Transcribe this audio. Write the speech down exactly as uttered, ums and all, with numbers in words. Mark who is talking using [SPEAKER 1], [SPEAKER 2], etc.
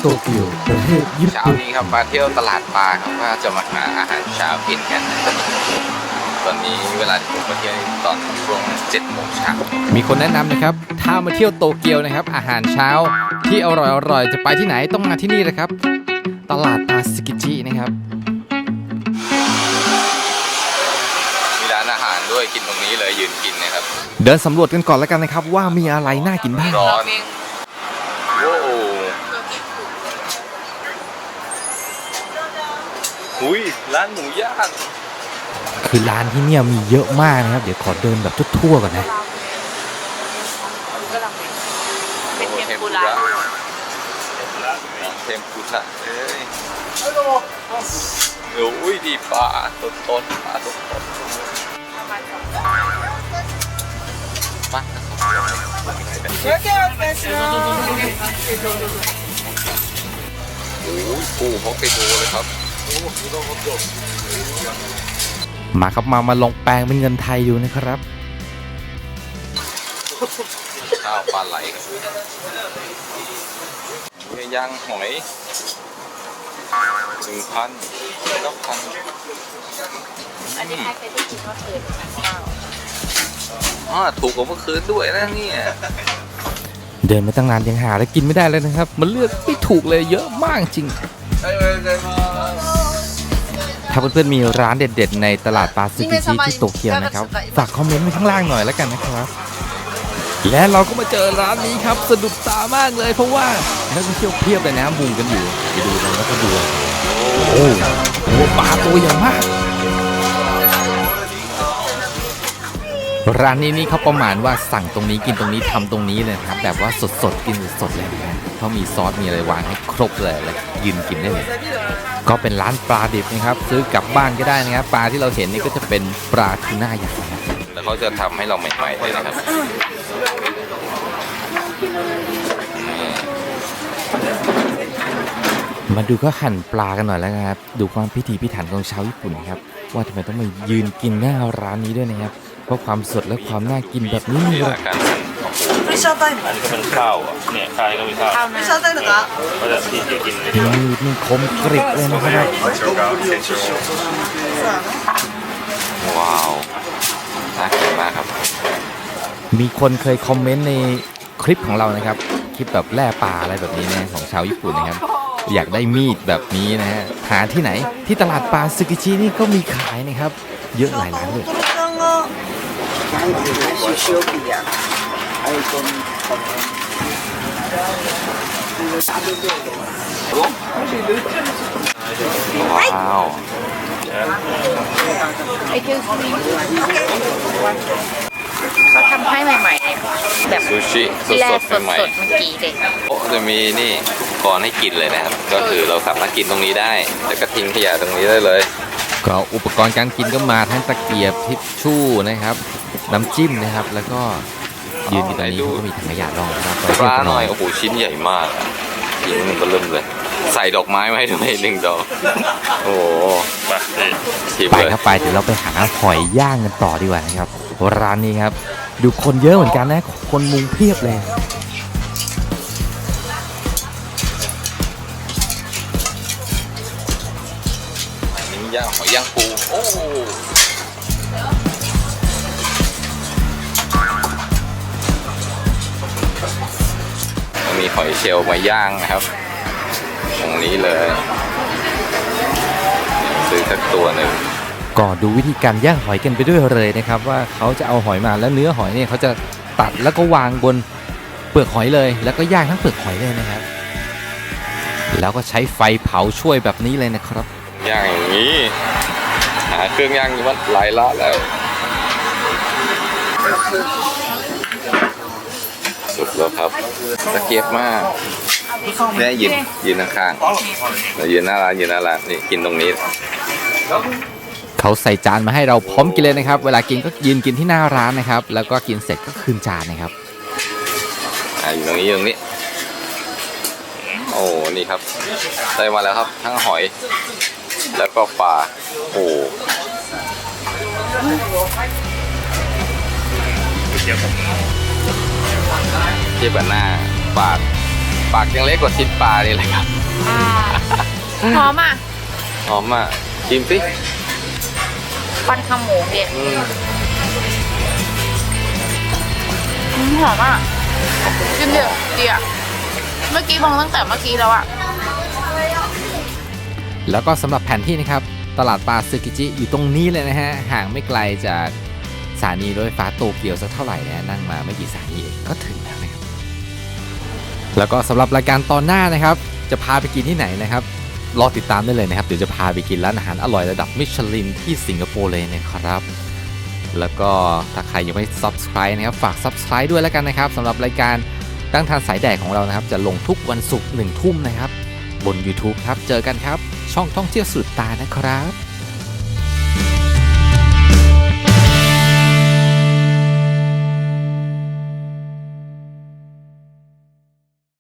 [SPEAKER 1] โตเกียวประเทศญี่
[SPEAKER 2] เช้า
[SPEAKER 1] ปุ่น
[SPEAKER 2] นี้ครับมาเที่ยวตลาดปลาครับว่าจะมาหาอาหารเช้ากินกันตอนนี้เวลาที่ผมมาเที่ยวตอนช่วงเจ็ดโมงเช้ามีคนแนะนำนะครับถ้ามาเที่ยวโตเกียวนะครับอาหารเช้าที่อร่อยๆจะไปที่ไหนต้องมาที่นี่นะครับตลาดปลาซึกิจินะครับมีร้านอาหารด้วยกินตรงนี้เลยยืนกินนะครับเดินสำรวจกันก่อนแล้วกันนะครับว่ามีอะไรน่ากินบ้างร้อนโอ้หุยร้านหมูย่างคือร้านที่เนี่ยมีเยอะมากนะครับเดี๋ยวขอเดินแบบทั่วๆก่อนนะ
[SPEAKER 3] เป็นเทมปุระ
[SPEAKER 2] เทมปุระเอ้ยโอ้ยดีปลาต้นต้นปลาต้นต้นปลาโอ้ยปูฮอกไกโดเลยครับมาครับมามาลองแปลงเป็นเงินไทยดูนะครับข้าวปลาไหลครับเนื้อย่างหอยหนึ่งพันเก้าพัน
[SPEAKER 3] อันนี้ใครเคยได้กินว่าเกินข้าว
[SPEAKER 2] อ๋อถูกกว่าเมื่อคืนด้วยนะเนี่ยเดินมาตั้งนานยังหาแล้วกินไม่ได้เลยนะครับมันเลือกไม่ถูกเลยเยอะมากจริงถ้าเพื่อนๆมีร้านเด็ดๆในตลาดปลาซึกิชิที่โตเกียวนะครับฝากคอมเมนต์ไว้ข้างล่างหน่อยแล้วกันนะครับและเราก็มาเจอร้านนี้ครับสะดุดตามากเลยเพราะว่านักท่องเที่ยวเพียบเลยนะมุงกันอยู่ไปดูเลยแล้วก็ดูโอ้โหปลาตัวใหญ่มากร้านนี้นี่เขาประมาณว่าสั่งตรงนี้กินตรงนี้ทำตรงนี้เลยครับแบบว่าสดๆกินสดๆเลยนะเขามีซอสมีอะไรวางให้ครบเลยแล้วยืนกินได้เลยก็เป็นร้านปลาดิบนะครับซื้อกลับบ้านก็ได้นะครับปลาที่เราเห็นนี่ก็จะเป็นปลาทูน่าใหญ่นะแล้วเขาจะทำให้เราใหม่ๆเลยนะครับมาดูก็หั่นปลากันหน่อยแล้วนะครับดูความพิถีพิถันของชาวญี่ปุ่นนะครับว่าทำไมต้องมายืนกินหน้าร้านนี้ด้วยนะครับเพราะความสดและความน่ากินแบบนี้นี่แหละ
[SPEAKER 4] ไม่ชอบไต้อันนี้ก็เป็นข้าวอ่ะเนี่ยข้าวนี่ก็มีข้าวไม่ชอบไต้หรอคะก็จะที่จะกินเลย
[SPEAKER 2] นี่นี่คมกริบเลยนะครับว้าวน่ากินมากครับมีคนเคยคอมเมนต์ในคลิปของเรานะครับคลิปแบบแล่ปลาอะไรแบบนี้นะของชาวญี่ปุ่นนะครับอยากได้มีดแบบนี้นะฮะหาที่ไหนที่ตลาดปลาซึกิชินี่ก็มีขายนะครับเยอะหลายร้านเลยว้าว
[SPEAKER 3] เขาทำให้ใหม่ๆแบบ
[SPEAKER 2] ซูชิสดๆใหม่ๆ
[SPEAKER 3] เมื่อกี้เลย
[SPEAKER 2] โอ้จะมีนี่อุปกรณ์ให้กินเลยนะครับก็คือเราสามารถกินตรงนี้ได้แล้วก็ทิ้งขยะตรงนี้ได้เลยก็อุปกรณ์การกินก็มาทั้งตะเกียบทิชชู่นะครับน้ำจิ้มนะครับแล้วก็ยืนอยู่ตรงนี้ก็มีถังขยะรองนะครับปลาหน่อยโอ้โหชิ้นใหญ่มากชิ้นมันก็เริ่มเลยใส่ดอกไม้ไว้ด้วยหนึ่งดอกโอ้โหไปครับไปเดี๋ยวเราไปหาหอยย่างกันต่อดีกว่านะครับร้านนี้ครับดูคนเยอะเหมือนกันนะคนมุงเพียบเลยอันนี้ย่างหอยย่างปูโอ้มีหอยเชลล์มาย่างนะครับตรงนี้เลยซื้อสักตัวหนึ่งก็ดูวิธีการย่างหอยกันไปด้วยเลยนะครับว่าเขาจะเอาหอยมาแล้วเนื้อหอยเนี่ยเขาจะตัดแล้วก็วางบนเปลือกหอยเลยแล้วก็ย่างทั้งเปลือกหอยเลยนะครับแล้วก็ใช้ไฟเผาช่วยแบบนี้เลยนะครับย่างอย่างนี้หาเครื่องย่างอยู่ว่าหลายละแล้วสุดแล้วครับตะเกียบมากเนี่ยยืนยืนข้างๆเรายืนหน้าร้านยืนหน้าร้านนี่กินตรงนี้เขาใส่จานมาให้เราพร้อมกินเลยนะครับเวลากินก็ยืนกินที่หน้าร้านนะครับแล้วก็กินเสร็จก็คืนจานนะครับอ่าอยู่ตรงนี้ตรงนี้โอ้นี่ครับได้มาแล้วครับทั้งหอยแล้วก็ปลาโอ้เทียบกับหน้าปากปากยังเล็กกว่าชิ้นปลานี่เลยครับ
[SPEAKER 3] อ่าหอมอ่ะ
[SPEAKER 2] หอมมากชิมสิ
[SPEAKER 3] ปันขมูเด็ด
[SPEAKER 2] อืม
[SPEAKER 3] อืมหอมอ่ะกินเดือดดีอ่ะเมื่อกี้มองตั้งแต่เมื่อกี้แล้วอ่ะ
[SPEAKER 2] แล้วก็สำหรับแผนที่นะครับตลาดปลาซึกิจิอยู่ตรงนี้เลยนะฮะห่างไม่ไกลจากสถานีรถไฟฟ้าโตเกียวสักเท่าไหร่นะนั่งมาไม่กี่สถานีเองก็ถึงแล้วนะครับแล้วก็สำหรับรายการตอนหน้านะครับจะพาไปกินที่ไหนนะครับรอติดตามได้เลยนะครับเดี๋ยวจะพาไปกินร้านอาหารอร่อยระดับมิชลินที่สิงคโปร์เลยนะครับแล้วก็ถ้าใครยังไม่ ซับสไครบ์ นะครับฝาก ซับสไครบ์ ด้วยแล้วกันนะครับสำหรับรายการตั้งทานสายแดกของเรานะครับจะลงทุกวันศุกร์หนึ่งทุ่มนะครับบน ยูทูบ ครับเจอกันครับช่องท่องเที่ยวสุดตานะครับ